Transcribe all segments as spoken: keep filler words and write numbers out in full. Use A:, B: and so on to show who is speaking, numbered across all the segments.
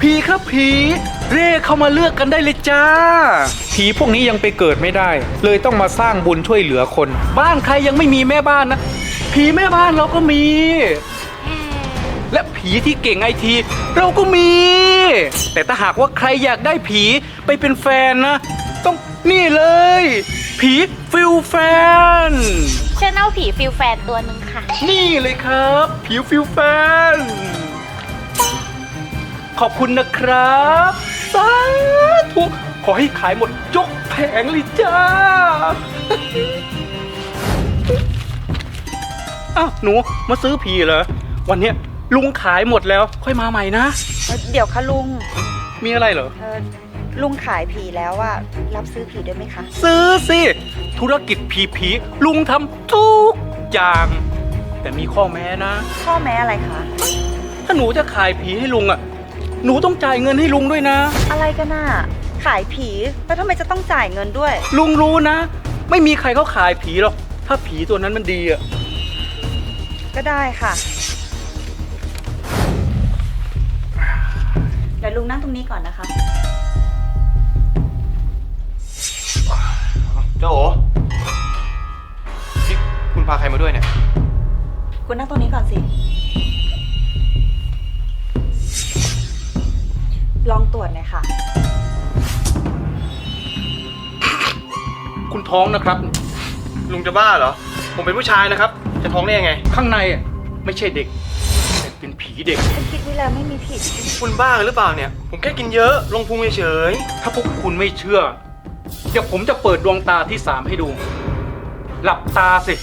A: ผีครับผีเร่เข้ามาเลือกกันได้เลยจ้าผีพวกนี้ยังไปเกิดไม่ได้เลยต้องมาสร้างบุญช่วยเหลือคนบ้านใครยังไม่มีแม่บ้านนะผีแม่บ้านเราก็มีและผีที่เก่งไอทีเราก็มีแต่ถ้าหากว่าใครอยากได้ผีไปเป็นแฟนนะต้องนี่เลยผีฟิลแฟน
B: ฉันเอาผีฟิลแฟนตัวหนึ่งค่ะ
A: นี่เลยครับผีฟิลแฟนขอบคุณนะครับสาธุขอให้ขายหมดยกแผงเลยจ้าอ้าวหนูมาซื้อผีเหรอวันเนี้ยลุงขายหมดแล้วค่อยมาใหม่นะ
C: เดี๋ยวค่ะลุง
A: มีอะไรเหรอ
C: เออลุงขายผีแล้วอะรับซื้อผีด้วยไหมคะ
A: ซื้อสิธุรกิจผีผีลุงทำทุกอย่างแต่มีข้อแม้นะ
C: ข้อแม้อะไรคะ
A: ถ้าหนูจะขายผีให้ลุงอะหนูต้องจ่ายเงินให้ลุงด้วยนะ
C: อะไรกันน่ะขายผีแล้วทำไมจะต้องจ่ายเงินด้วย
A: ลุงรู้นะไม่มีใครเขาขายผีหรอกถ้าผีตัวนั้นมันดีอะ
C: ก็ได้ค่ะเดี๋ยวลุงนั่งตรงนี้ก่อนนะคะ
D: เจ้าโอ๋นี่คุณพาใครมาด้วยเนี่ย
C: คุณนั่งตรงนี้ก่อนสิลองตรวจหน่อยค่ะ
A: คุณท้องนะครับ
D: ลุงจะบ้าเหรอผมเป็นผู้ชายนะครับจะท้องได้ยังไง
A: ข้างในอ่ะไม่ใช่เด็กแต่เป็นผีเด็ก
C: ฉันคิดไว้แล้วไม่มีผิด
D: คุณบ้าหรือเปล่าเนี่ยผมแค่กินเยอะลงพุงเฉย
A: ถ้าพวกคุณไม่เชื่อเดี๋ยวผมจะเปิดดวงตาที่สามให้ดูหลับตาสิ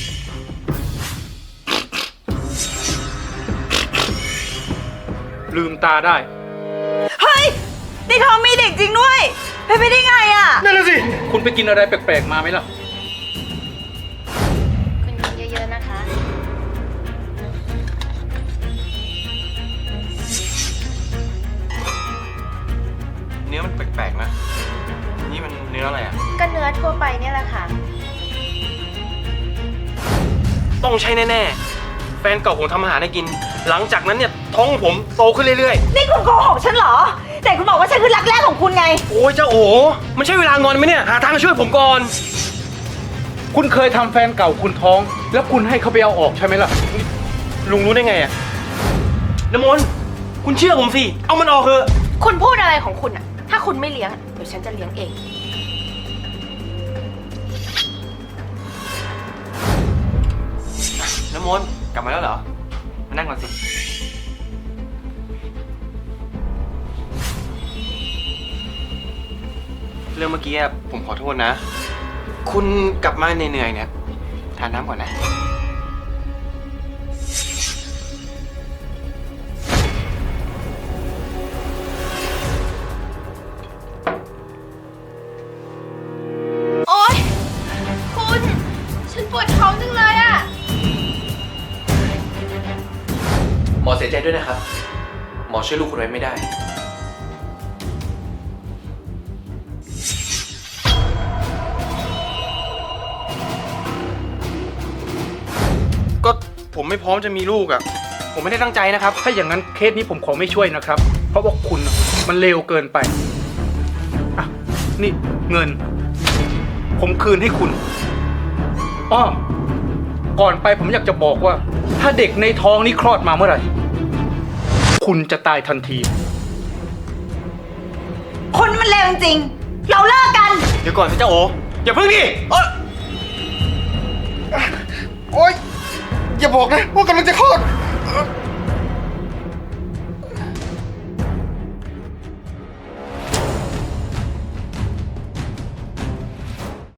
A: ลืมตาได้
C: เฮ้ยในท้องมีเด็กจริงด้วยเป็นไปได้ไงอ่ะ
D: นั่นแหละสิ
A: คุณไปกินอะไรแปลกๆมาไหมล่ะ
B: คุณกินเยอะๆนะคะ
D: เนื้อมันแปลกๆนะนี่มันเนื้ออะไรอ่ะ
B: ก็เนื้อทั่วไปเนี่ยแหละค่ะ
D: ต้องใช่แน่ๆแฟนเก่าผมทำอาหารให้กินหลังจากนั้นเนี่ยท้องผมโตขึ้นเรื่อย
C: ๆนี่คุณโกหกฉันเหรอแต่คุณบอกว่าฉันคือรักแรกของคุณไง
D: โอ้ยเจ้าโอ๋มันใช่เวลางอนไหมเนี่ยหาทางช่วยผมก่อน
A: คุณเคยทำแฟนเก่าคุณท้องแล้วคุณให้เขาไปเอาออกใช่ไหมล่ะ
D: ลุงรู้ได้ไงอะน้ำมนต์คุณเชื่อผมสิเอามันออกเถอะ
B: คุณพูดอะไรของคุณอะถ้าคุณไม่เลี้ยงเดี๋ยวฉันจะเลี้ยงเอง
D: น้ำมนต์กลับมาแล้วเหรอมานั่งก่อนสิเรื่องเมื่อกี้ผมขอโทษนะคุณกลับมาเหนื่อยๆเนี่ยทานน้ำก่อนนะ
B: โอ๊ยคุณฉันปวดท้องจังเลยอะ
D: หมอเสียใจด้วยนะครับหมอช่วยลูกคุณไว้ไม่ได้ก็ผมไม่พร้อมจะมีลูกอ่ะผมไม่ได้ตั้งใจนะครับ
A: ถ้าอย่างนั้นเคสนี้ผมขอไม่ช่วยนะครับเพราะว่าคุณมันเลวเกินไปอ่ะนี่เงินผมคืนให้คุณอ้อก่อนไปผมอยากจะบอกว่าถ้าเด็กในท้องนี้คลอดมาเมื่อไหร่คุณจะตายทันที
C: คนมันเลวจริงๆเราเลิกกัน
D: เดี๋ยวก่อนสิเจ้าโอ๋อย่าเพิ่งดิโอ๊ยโอ๊ยอย่าบอกนะว่ากำลังจะคลอด